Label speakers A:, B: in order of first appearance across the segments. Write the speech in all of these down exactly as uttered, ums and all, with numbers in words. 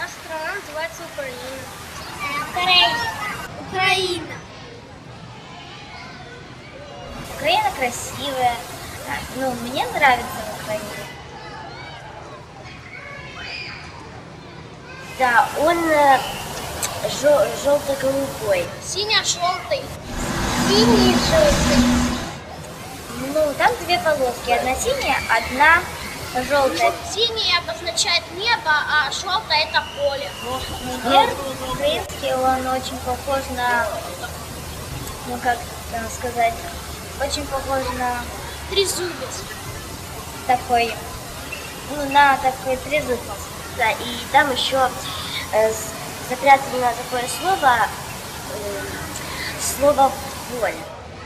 A: наша страна называется Украина.
B: Украина.
A: Украина.
B: Украина красивая. Ну, мне нравится в Украине. Да, он э, жел- желто-голубой.
A: Синий-желтый.
B: Синий-желтый. Ну, там две полоски. Одна синяя, одна желтая.
A: Синий обозначает небо, а желтое это поле.
B: Герб украинский, он очень похож на, ну как там сказать, очень похож на
A: Трезубец.
B: такой, ну на такой трезубец. Да, и там еще э, с- запрятано такое слово, э, слово воля.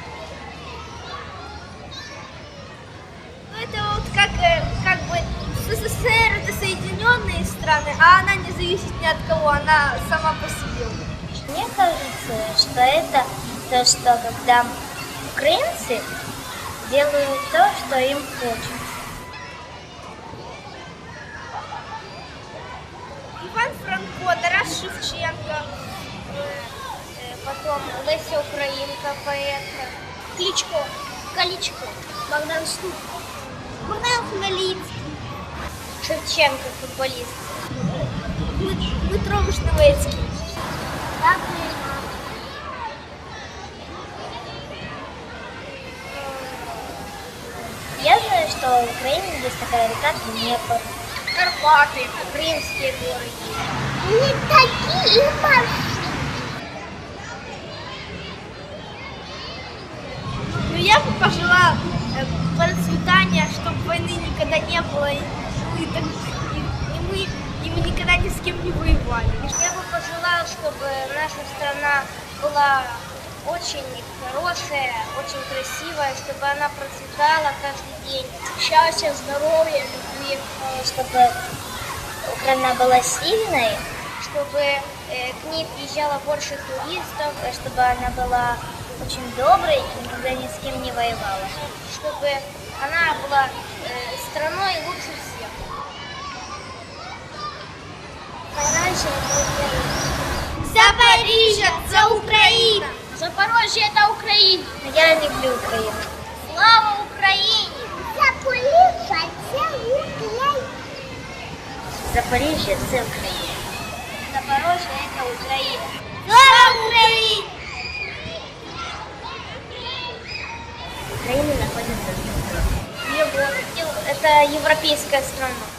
A: Ну, это вот как, э, как бы СССР это соединенные страны, а она не зависит ни от кого, она сама по себе.
B: Мне кажется, что это то, что когда украинцы делают то, что им хочется.
A: Иван Франко, Тарас Шевченко, э, э, потом Леся Украинка, поэтка, Кличко, Каличко, Богдан Штук, Богдан Хмельницкий,
B: Шевченко, футболист.
A: Дмитро Вишневецький.
B: Я знаю, что в Украине есть такая река Днепр.
A: Карпаты, Крымские горы.
B: Не такие
A: Ну, я бы пожелала э, процветания, чтобы войны никогда не было, и, ну, и, так- и- и мы, и мы никогда ни с кем не воевали. Я бы пожелала, чтобы наша страна была очень хорошая, очень красивая, чтобы она процветала каждый день. Счастья, здоровья, любви.
B: чтобы Украина была сильной,
A: Чтобы э, к ней приезжало больше туристов,
B: э, чтобы она была очень доброй и никогда ни с кем не воевала.
A: чтобы она была э, страной лучше всех. Запоріжжя – це Україна! Запорожье – это Украина!
B: Я люблю Украину.
A: Слава Україні!
B: Запоріжжя це Україна. Запоріжжя це Україна.
A: Запорожье – это Украина! Слава Україні!
B: Украина находится в Европе.
A: Европа. Это европейская страна.